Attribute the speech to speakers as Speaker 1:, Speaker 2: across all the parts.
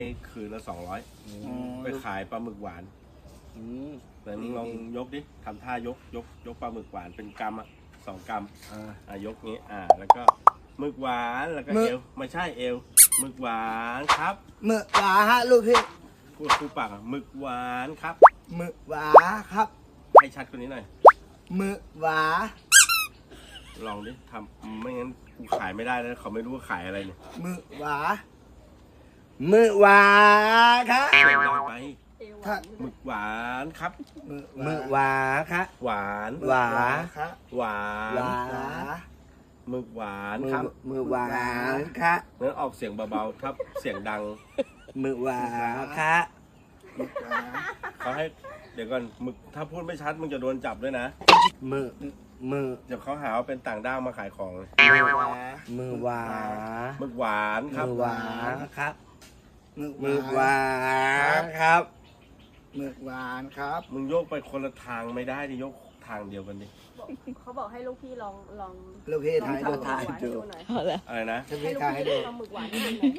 Speaker 1: คืนละ200ไปขายปลาหมึกหวานแต่มึงลองยกดิทำท่ายกปลาหมึกหวานเป็นกำอ่ะ2 กรัมยกนี้แล้วก็หมึกหวานแล้วก็เอวไม่ใช่เอวหมึกหวานครับ
Speaker 2: หมึกหวาฮะลูกพี่
Speaker 1: พูดคู่ปากหมึกหวานครับ
Speaker 2: หมึกหวาครับ
Speaker 1: ให้ชัดกว่านี้หน่อย
Speaker 2: หมึกหวา
Speaker 1: ลองดิทำไม่งั้นกูขายไม่ได้แล้วเขาไม่รู้ว่าขายอะไรเนี่ย
Speaker 2: หมึกหวาหมึกหวาครับ
Speaker 1: เสียงดังไปหมึกหวานครับ
Speaker 2: หมึกหวาครับ
Speaker 1: หวาน
Speaker 2: หวาครับ
Speaker 1: หวานหมึกหวานครับ
Speaker 2: หมึกหวานครับ
Speaker 1: งั้นออกเสียงเบาๆครับเสียงดัง
Speaker 2: หมึกหวานครับ
Speaker 1: เขาให้เดี๋ยวก่อนหมึกถ้าพูดไม่ชัดมึงจะโดนจับด้วยนะ
Speaker 2: หมึก
Speaker 1: เดี๋ยวเขาหาว่าเป็นต่างด้าวมาขายของ
Speaker 2: หมึกหวา
Speaker 1: หมึกหวานครับ
Speaker 2: หมึกหวานครับหมึกหวานครับหมึกหวานครับ
Speaker 1: มึงโยกไปคนละทางไม่ได้ดิโยกทางเดียวกันดิ
Speaker 3: เขาบอกให้ลูกพี่ลอง
Speaker 2: ลูกพี่ถ่ายดู
Speaker 1: อะไรนะ
Speaker 2: ลูกพี่ถ่ายให้ดู
Speaker 3: ลองหมึกหวาน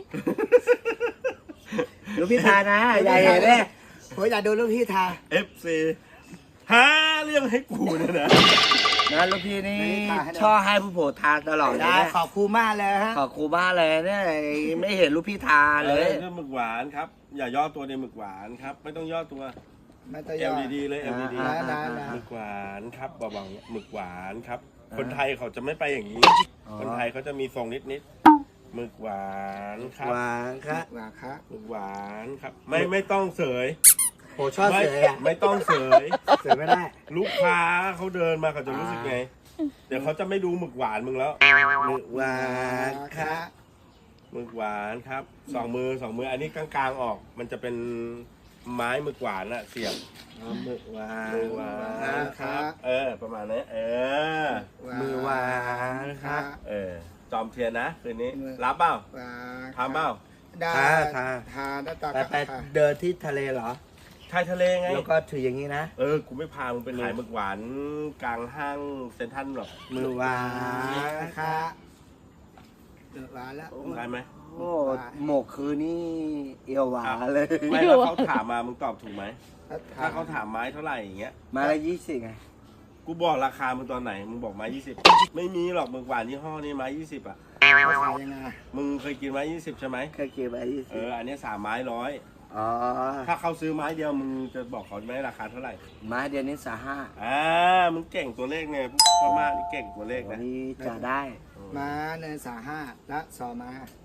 Speaker 2: ลูกพี่ถ่ายนะอย่าเห็นเลยผมอยากดูลูกพี่ถ่าย
Speaker 1: FC หาเรื่องให้กูเนี่ยนะ
Speaker 2: ลูกพี่นี่ชอบให้ผู้โผล่ทานตลอดเลยขอบครูมากเลยฮะขอบครูมากเลยเนี่ยไม่เห็นลูกพี่ทานเลย
Speaker 1: เรื่องหมึกหวานครับอย่าย่อตัวในหมึกหวานครับไม่ต้องย่อตัวเอวดีๆเลยเอวดีๆหมึกหวานครับเบาๆหมึกหวานครับคนไทยเขาจะไม่ไปอย่างนี้คนไทยเขาจะมีทรงนิดหมึกหวานครับ
Speaker 2: หวานครับหวานครับ
Speaker 1: หมึกหวานครับไม่ต้องเสย
Speaker 2: โหชอบเสย
Speaker 1: ไม่ต้องเสย
Speaker 2: ไม่ได้
Speaker 1: ลูกค้าเขาเดินมาเขาจะรู้สึกไงเดี๋ยวเขาจะไม่ดูหมึกหวานมึงแล้ว
Speaker 2: หมึกหวานครับ
Speaker 1: หมึกหวานครับ2 มืออันนี้กลางๆออกมันจะเป็นไม้หมึกหวานอะเสียบ
Speaker 2: หมึกหว
Speaker 1: านครับประมาณนี้
Speaker 2: มือหวานครับ
Speaker 1: จอมเทียนนะคืนนี้รับเปล่าทำเปล่า
Speaker 2: ได้ทาไปเดินที่ทะเลเหรอ
Speaker 1: ชายทะเลไง
Speaker 2: แล้วก็ถืออย่างนี้นะ
Speaker 1: กูไม่พามึงไปขายหมึกหวานกลางห้างเซ็นทรัลหรอก
Speaker 2: มือหวานครับหมึกหวานแล้ว
Speaker 1: ได้ไหม
Speaker 2: โอ้หมกคือนี่เอวหวานเลย
Speaker 1: ไม่แล้วเขาถามมามึงตอบถูกไหมถ้าเขาถามไม้เท่าไหร่อย่างเงี้ย
Speaker 2: ไม้ละ20ไง
Speaker 1: กูบอกราคามึงตอนไหนมึงบอกไม้20ไม่มีหรอกหมึกหวานยี่ห้อนี้ไม้20อ่ะ
Speaker 2: ขายยังไง
Speaker 1: มึงเคยกินไม้20ใช่ไหม
Speaker 2: เคยกินไม้20
Speaker 1: อันนี้3 ไม้100
Speaker 2: อ๋อ
Speaker 1: ถ้าเขาซื้อไม้เดียวมึงจะบอกเขาไหมราคาเท่าไหร่
Speaker 2: ไม้เดียวนี้
Speaker 1: มึงเก่งตัวเลขเนี่ยพ่อมากนี่เก่งตัวเลขนะ
Speaker 2: นี่จะได้ม้าเนิน35และ2 ม้า